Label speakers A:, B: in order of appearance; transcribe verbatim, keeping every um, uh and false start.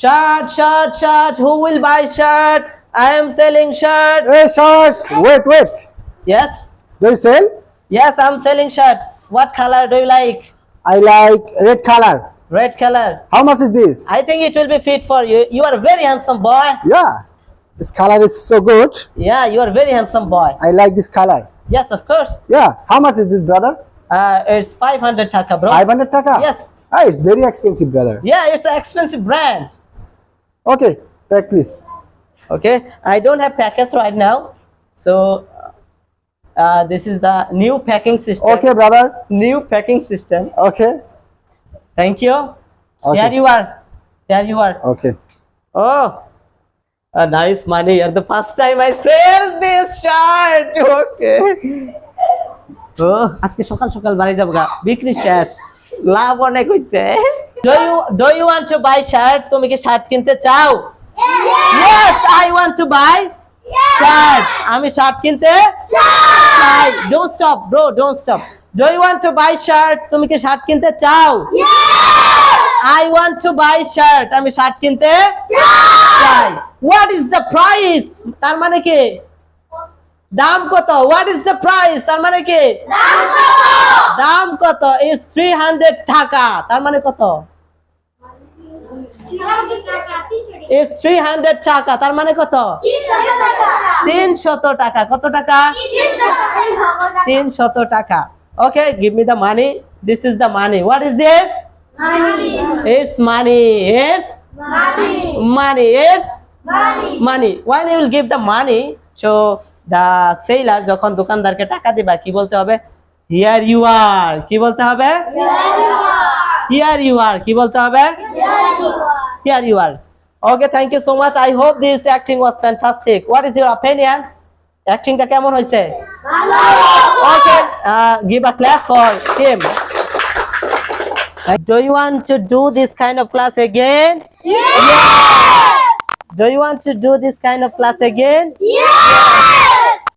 A: Shirt, shirt, shirt. Who will buy shirt? I am selling shirt.
B: Hey, shirt. Wait, wait.
A: Yes,
B: Do you sell?
A: yes, I'm selling shirt. What color do you like?
B: I like red color.
A: Red color.
B: How much is this?
A: I think it will be fit for you. You are a very handsome boy.
B: Yeah, this color is so good.
A: Yeah, you are a very handsome boy.
B: I like this color.
A: Yes, of course.
B: Yeah, how much is this, brother?
A: Uh, it's five hundred taka, bro.
B: five hundred taka?
A: Yes.
B: Ah, it's very expensive, brother.
A: Yeah, it's an expensive brand.
B: Okay, pack please.
A: Okay, I don't have packets right now, so uh, this is the new packing system.
B: Okay, brother.
A: New packing system.
B: Okay.
A: Thank you.
B: Okay.
A: Here you are. Here you are.
B: Okay.
A: Oh, a nice money. And the first time I sell this shirt. Okay. Oh, আজকে সকাল সকাল বাড়ি যাব গা বিক্রি শেষ লাভ অনেক হইছে do you do you want to buy shirt তুমি কি শার্ট কিনতে চাও yes I want to buy shirt আমি শার্ট কিনতে চাই don't stop bro don't stop do you want to buy shirt তুমি কি শার্ট কিনতে চাও I want to buy shirt আমি শার্ট কিনতে চাই what is the price তার মানে কি দাম কত what is the price তার মানে কি দাম কত দাম কত is three hundred টাকা তার মানে কত is three hundred টাকা তার মানে কত তিনশো টাকা কত টাকা তিনশো টাকা okay give me the money this is the money what is this money it's money it's money money it's money money when you will give the money to the seller যখন দোকানদারকে টাকা দিবা কি বলতে হবে here you are কি বলতে হবে here you are কি বলতে হবে here you are okay thank you so much I hope this acting was fantastic what is your opinion acting টা কেমন হয়েছে ভালো okay uh, give a clap for him do you want to do this kind of class again
C: Yeah!
A: do you want to do this kind of class again
C: Yeah!